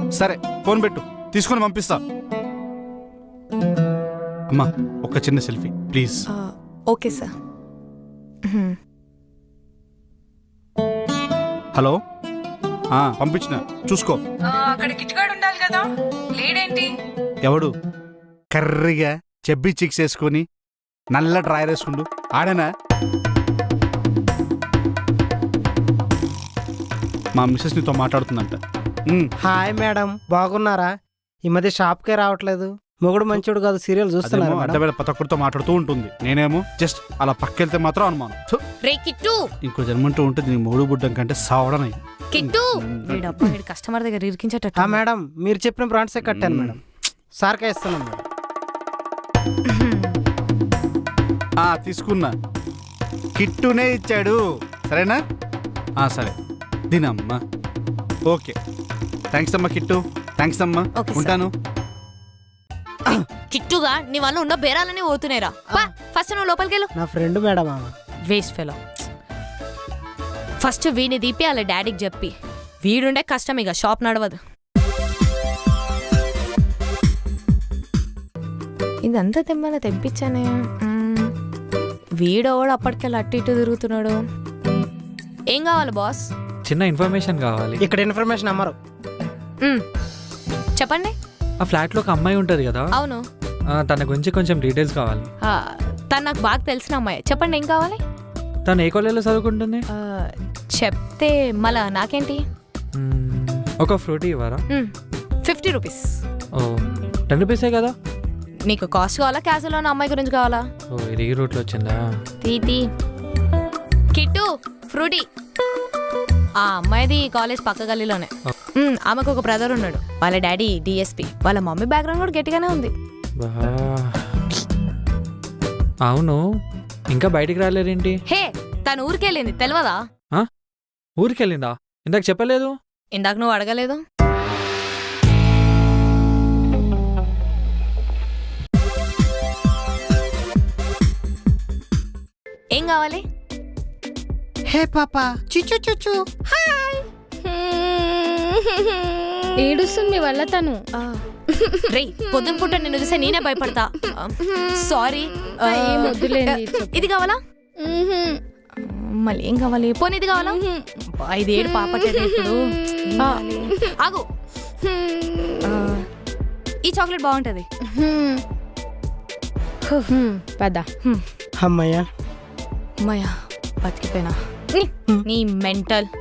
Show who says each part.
Speaker 1: సరే ఫోన్ పెట్టు, తీసుకొని పంపిస్తా. అమ్మా ఒక చిన్న selfie please.
Speaker 2: Okay sir.
Speaker 1: Hello, పంపించిన చూసుకో.
Speaker 3: అక్కడ కిట్గాడు ఉండాలి కదా, లేడేంటి?
Speaker 1: ఎవడు? కర్రీగా చెబ్బి చిక్స్ వేసుకొని నల్ల డ్రాయర్ వేసుకుండు ఆడనా? మా మిస్సెస్ నీతో మాట్లాడుతుందంట.
Speaker 4: హాయ్ మేడం, బాగున్నారా? ఈ మధ్య షాప్కే రావట్లేదు. మొగుడు మంచోడు కాదు సీరియల్ చూస్తున్నారు.
Speaker 1: అడ్డవేళ ప్రతి ఒక్కరితో మాట్లాడుతూ ఉంటుంది. నేనేమో జస్ట్ అలా పక్కెళ్తే మాత్రం అనుమానం.
Speaker 2: రే కిట్టు,
Speaker 1: ఇంకో జన్మంటూ ఉంటుంది నీ మూడు బుడ్డం కంటే సావడనై.
Speaker 2: కిట్టు వీడు కస్టమర్ దగ్గర ఇరికించేటట్టు.
Speaker 4: మేడం మీరు చెప్పిన బ్రాండ్సే కట్టాను మేడం. సార్కే ఇస్తున్నాం మేడం.
Speaker 1: తీసుకున్నా, కిట్టునే ఇచ్చాడు. సరేనా? సరే దీనమ్మా. ఓకే, థ్యాంక్స్ అమ్మా కిట్టు, థ్యాంక్స్ అమ్మా. ఉంటాను.
Speaker 2: కిట్టుగా నీ వల్ల ఉన్న బేరాలన్నీ పోతున్నాయిరా. ఫస్ట్ నువ్వు లోపలికి వెళ్ళు.
Speaker 4: నా friend madam.
Speaker 2: Waste fellow. First వీని దీపి అలా డాడీకి చెప్పి, వీడుండే కష్టం ఇక షాప్ నడవదు. ఇదంతా తెమ్మని తెప్పించానే. వీడోడు అప్పటికెళ్ళి అటు ఇటు తిరుగుతున్నాడు. ఏం కావాలి బాస్?
Speaker 5: చిన్న ఇన్ఫర్మేషన్ కావాలి.
Speaker 4: ఇక్కడ ఇన్ఫర్మేషన్ అమ్మరు.
Speaker 2: చెప్పండి.
Speaker 5: ఆ ఫ్లాట్ లో ఒక అమ్మాయి ఉంటది కదా?
Speaker 2: అవును.
Speaker 5: తన గురించి కొంచెం డీటెయిల్స్ కావాలి.
Speaker 2: తను నాకు బాగా తెలిసిన అమ్మాయి. చెప్పండి ఏం కావాలి?
Speaker 5: తను ఏ కాలేజీలో చదువుకుంటుంది?
Speaker 2: చెప్తే మళ్ళా నాకేంటి?
Speaker 5: ఒక ఫ్రూటీ ఇవ్వరా?
Speaker 2: 50 రూపీస్.
Speaker 5: ఓ 10 రూపీసే కదా.
Speaker 2: నీకు కాస్ట్ కావాలా, క్యాజువల్ ఉన్న అమ్మాయి గురించి కావాలా?
Speaker 5: ఓ ఇది ఈ రూట్లో వచ్చిందా?
Speaker 2: తీతి కిట్టు ఫ్రూటీ. ఆ అమ్మాయిది కాలేజ్ పక్క గల్లీలోనే. ఆమెకు ఒక బ్రదర్ ఉన్నాడు. వాళ్ళ డాడీ డిఎస్పి. వాళ్ళ మమ్మీ బ్యాక్గ్రౌండ్ కూడా గట్టిగానే ఉంది.
Speaker 5: అవును, ఇంకా బయటికి రాలేరేంటి?
Speaker 2: హే, తను ఊరికెళ్ళింది తెలియదా?
Speaker 5: ఊరికెళ్ళిందా? ఇందాక చెప్పలేదు.
Speaker 2: ఇందాక నువ్వు అడగలేదు. ఏం కావాలి?
Speaker 4: హే పాపా, చిచ్చు చుచ్చు.
Speaker 6: ఏడుస్తుంది మీ వల్ల తను.
Speaker 2: రే పొద్దున పూట నిన్ను చూసే నేనే భయపడతా. సారీ. ఇది కావాలా? మళ్ళీ ఏం కావాలి? పోనీ ఇది కావాలా? 5 ఏడు పాపట్లేదు ఇప్పుడు. ఆగు, ఈ చాక్లెట్ బాగుంటది.
Speaker 6: పద.
Speaker 4: అమ్మయ్యా
Speaker 2: అమ్మయ్యా బతికిపోయినా. నీ మెంటల్.